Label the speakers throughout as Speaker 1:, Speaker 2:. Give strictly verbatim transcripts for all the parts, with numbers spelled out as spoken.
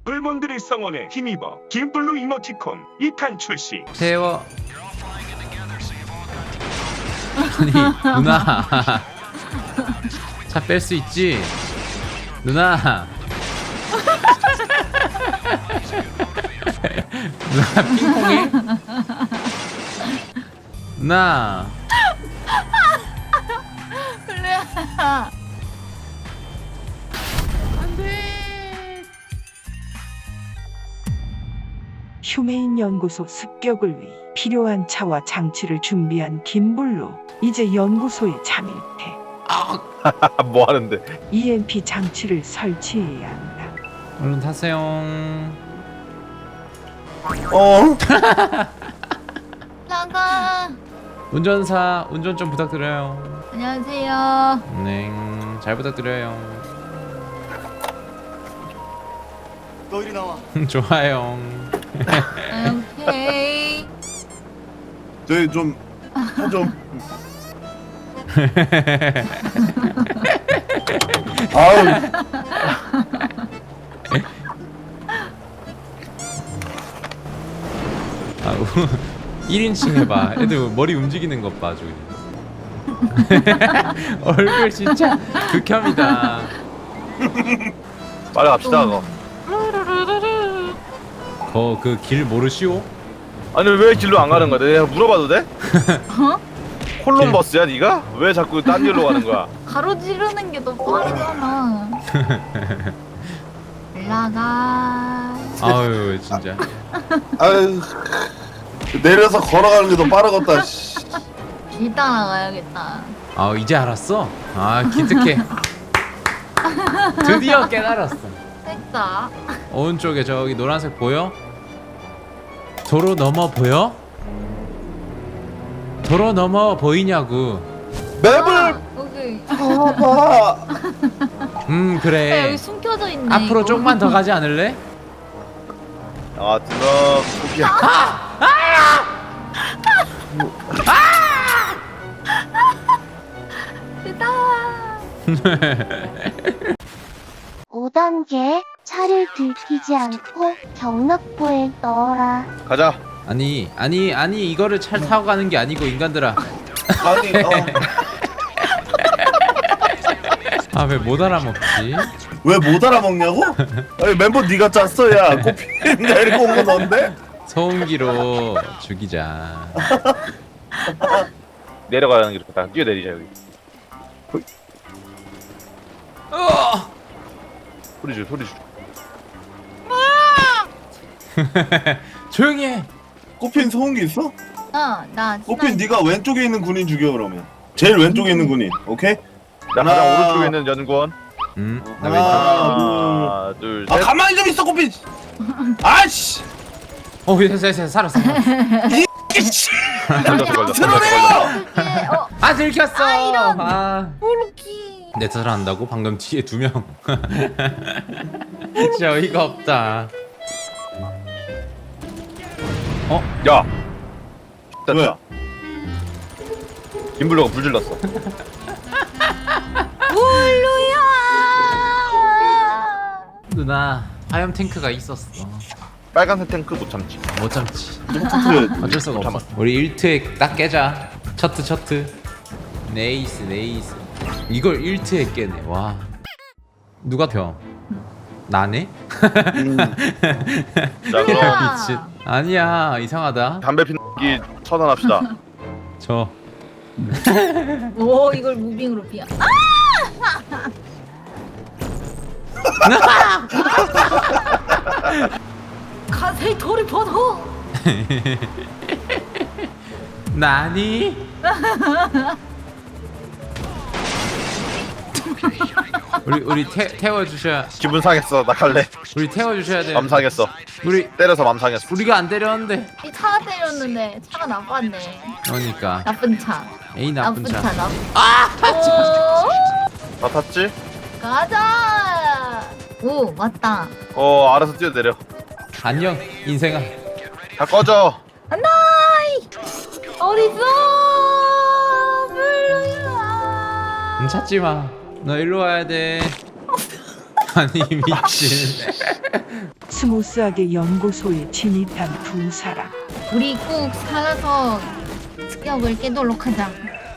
Speaker 1: 불몬들의 성원에 힘입어 김블루 이모티콘 이 탄 출시.
Speaker 2: 세워. 아니 누나 차 뺄 수 있지 누나. 누나 핑퐁해? 누나
Speaker 3: 그래.
Speaker 4: 휴메인 연구소 습격을 위해 필요한 차와 장치를 준비한 김블루. 이제 연구소에 잠입해
Speaker 5: 뭐 하는데?
Speaker 4: 이엠피 장치를 설치해야 한다.
Speaker 2: 얼른 타세요.
Speaker 5: 어?
Speaker 3: 나가.
Speaker 2: 운전사 운전 좀 부탁드려요.
Speaker 3: 안녕하세요.
Speaker 2: 네, 잘 부탁드려요.
Speaker 6: 너 이리 나와.
Speaker 2: 좋아요.
Speaker 3: 오케이.
Speaker 6: 저희 좀, 좀. 아우.
Speaker 2: 아, 일 인칭 해봐. 애들 머리 움직이는 것 봐, 저기. 얼굴 진짜 극혐이다.
Speaker 5: 빨리 갑시다. 그거.
Speaker 2: 거 그 길 모르시오?
Speaker 5: 아니 왜 길로 안 가는 거야? 내가 물어봐도 돼?
Speaker 3: 어?
Speaker 5: 콜럼버스야 네가? 왜 자꾸 딴 길로 가는 거야?
Speaker 3: 가로지르는 게 더 빠르잖아. 올라가.
Speaker 2: 아유 진짜.
Speaker 6: 아유. 내려서 걸어가는 게 더 빠르겠다. 씨.
Speaker 3: 길 따라가야겠다.
Speaker 2: 아 이제 알았어? 아 기특해. 드디어 깨달았어.
Speaker 3: 됐다.
Speaker 2: 오른쪽에 저기 노란색 보여? 도로 넘어 보여? 도로 넘어 보이냐고.
Speaker 6: 맵을
Speaker 3: 여기.
Speaker 6: 봐봐.
Speaker 2: 음
Speaker 3: 야,
Speaker 2: 그래.
Speaker 3: 여기 숨겨져 있네.
Speaker 2: 앞으로
Speaker 3: 이거.
Speaker 2: 조금만 더 가지 않을래?
Speaker 5: 아 드럼 포기야.
Speaker 3: 됐다.
Speaker 7: 오 단계 차를 들키지 않고 경락부에 넣어라.
Speaker 5: 가자.
Speaker 2: 아니 아니 아니 이거를 차 타고 가는 게 아니고 인간들아.
Speaker 6: 아니, 어.
Speaker 2: 아 왜 못 알아먹지?
Speaker 6: 왜 못 알아먹냐고? 아니, 멤버 네가 짰어, 야. 꽃피가 이렇게 온 거 넌데?
Speaker 2: 소음기로 죽이자.
Speaker 5: 내려가는 길 다 뛰어내리자 여기.
Speaker 2: 어!
Speaker 5: 소리 줄 소리 줄.
Speaker 2: 조용히 해.
Speaker 6: 꽃핀 소음기 있어?
Speaker 3: 어, 나.
Speaker 6: 꽃핀 네가 왼쪽에 있는 군인 죽여 그러면. 제일 왼쪽에 있는 군인. 오케이?
Speaker 5: 나 가장
Speaker 6: 하나.
Speaker 5: 오른쪽에 있는 연구원.
Speaker 2: 음, 나 왼쪽.
Speaker 5: 하나 둘
Speaker 6: 아
Speaker 5: 셋.
Speaker 6: 가만히 좀 있어 꽃핀. 아씨.
Speaker 2: 어, 됐어, 됐어, 살았어. 살았어.
Speaker 6: 이씨.
Speaker 5: 걸렸어 걸렸어.
Speaker 6: 드러내요.
Speaker 3: 이게 어,
Speaker 2: 아, 들켰어.
Speaker 3: 아, 이런.
Speaker 2: 아,
Speaker 3: 오르키.
Speaker 2: 내 탓을 한다고? 방금 뒤에 두 명. 진짜 어이가 없다. 어?
Speaker 5: 야.
Speaker 6: 왜?
Speaker 5: 됐다. 김블루가 불 질렀어.
Speaker 3: 블루야.
Speaker 2: 누나, 화염 탱크가 있었어.
Speaker 5: 빨간색 탱크 못 참지.
Speaker 2: 못 참지.
Speaker 6: 터트려야지.
Speaker 2: 어쩔 수가 없어. 우리 일 트에 딱 깨자. 셔트, 셔트. 네이스, 네이스. 이걸 일 트에 깨네. 와. 누가 펴? 나네?
Speaker 6: 음.
Speaker 5: 자 그럼
Speaker 2: 미친. 아니야, 이상하다.
Speaker 5: 담배 피기 처단합시다.
Speaker 2: 저.
Speaker 3: 오, 이걸 무빙으로 피야. 가세히 돌이 벗어.
Speaker 2: 나니? 우리 우리 태, 태워 주셔야
Speaker 5: 기분 상했어. 나 갈래.
Speaker 2: 우리 태워 주셔야 돼.
Speaker 5: 맘 상했어.
Speaker 2: 우리
Speaker 5: 때려서 맘 상했어.
Speaker 2: 우리가 안 때렸는데.
Speaker 3: 이 차가 때렸는데 차가 나빴네.
Speaker 2: 그러니까
Speaker 3: 나쁜 차.
Speaker 2: 에이 나쁜 차.
Speaker 3: 나쁜.
Speaker 2: 아!
Speaker 3: 오,
Speaker 5: 다 탔지?
Speaker 3: 가자. 오, 맞다.
Speaker 5: 어 알아서 뛰어내려.
Speaker 2: 안녕 인생아.
Speaker 5: 다 꺼져.
Speaker 3: 안나이. 어딨어? 블루야.
Speaker 2: 음, 찾지 마. 너 일로 와야 돼. 아니 미친.
Speaker 4: 스무스하게 연구소에 진입한 두 사람.
Speaker 3: 우리 꼭 살아서 습격을 깨도록 하자.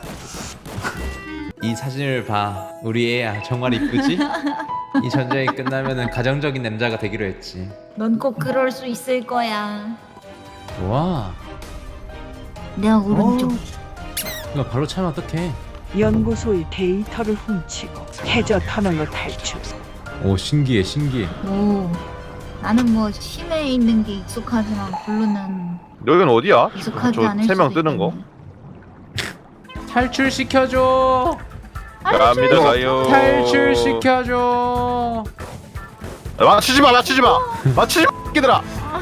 Speaker 2: 이 사진을 봐. 우리 애야 정말 이쁘지? 이 전쟁이 끝나면은 가정적인 남자가 되기로 했지.
Speaker 3: 넌 꼭 그럴 수 있을 거야.
Speaker 2: 와.
Speaker 3: 내가 오른쪽.
Speaker 2: 이거 발로 차면 어떡해?
Speaker 4: 연구소의 데이터를 훔치고 해저 터널로 탈출.
Speaker 2: 오 신기해 신기해.
Speaker 3: 오. 나는 뭐 심해에 있는 게 익숙하지만 블루는
Speaker 5: 여기는 어디야?
Speaker 3: 익숙하지
Speaker 5: 저
Speaker 3: 않을
Speaker 5: 세 명
Speaker 3: 수도
Speaker 5: 뜨는 거?
Speaker 3: 있겠네.
Speaker 2: 탈출시켜줘.
Speaker 5: 갑니다 가요.
Speaker 2: 탈출시켜줘.
Speaker 5: 맞추지 마, 맞추지 마, 맞추지 마, 끼들아.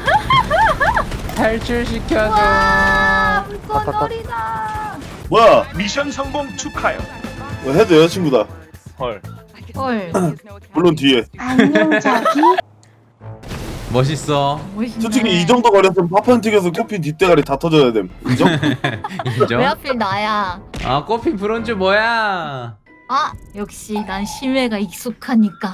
Speaker 2: 탈출시켜줘.
Speaker 3: 와, 물건놀이다.
Speaker 6: 뭐야?
Speaker 1: 미션 성공 축하요.
Speaker 6: 어, 헤드 여자친구다.
Speaker 5: 헐.
Speaker 3: 헐.
Speaker 6: 물론 뒤에.
Speaker 7: 안녕 자기.
Speaker 2: 멋있어.
Speaker 3: 멋있네.
Speaker 6: 솔직히 이 정도 거렸으면 파판 튀겨서 코피 뒷대가리 다 터져야 됨. 인정?
Speaker 2: 인정?
Speaker 3: 왜 하필 나야?
Speaker 2: 아 꽃핀 브론즈 뭐야?
Speaker 3: 아, 역시 난 심해가 익숙하니까.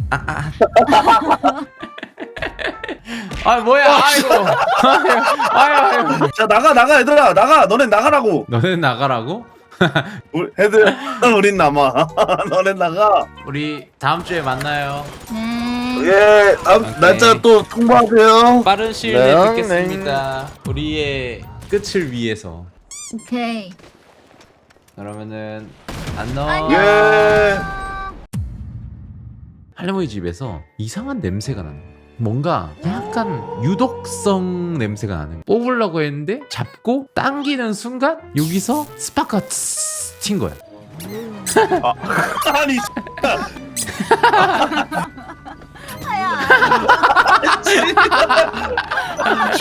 Speaker 2: 아 뭐야? 아이고. 아유 아유.
Speaker 6: 자 나가 나가 얘들아 나가. 너넨 나가라고.
Speaker 2: 너는 나가라고?
Speaker 6: 우리, 헤드 우린 남아. 너넨 나가.
Speaker 2: 우리 다음 주에 만나요.
Speaker 3: 네.
Speaker 6: 예. 다음
Speaker 2: 오케이.
Speaker 6: 날짜 또 통보하세요.
Speaker 2: 빠른 시일
Speaker 5: 네,
Speaker 2: 내에 듣겠습니다. 우리의 끝을 위해서.
Speaker 3: 오케이.
Speaker 2: 그러면은 안녕.
Speaker 3: 안녕.
Speaker 6: 예.
Speaker 2: 할머니 집에서 이상한 냄새가 나는 거야. 뭔가 약간 유독성 냄새가 나는 거야. 뽑으려고 했는데 잡고 당기는 순간 여기서 스파크가 츠스 튄 거야.
Speaker 6: 아니
Speaker 3: 아야.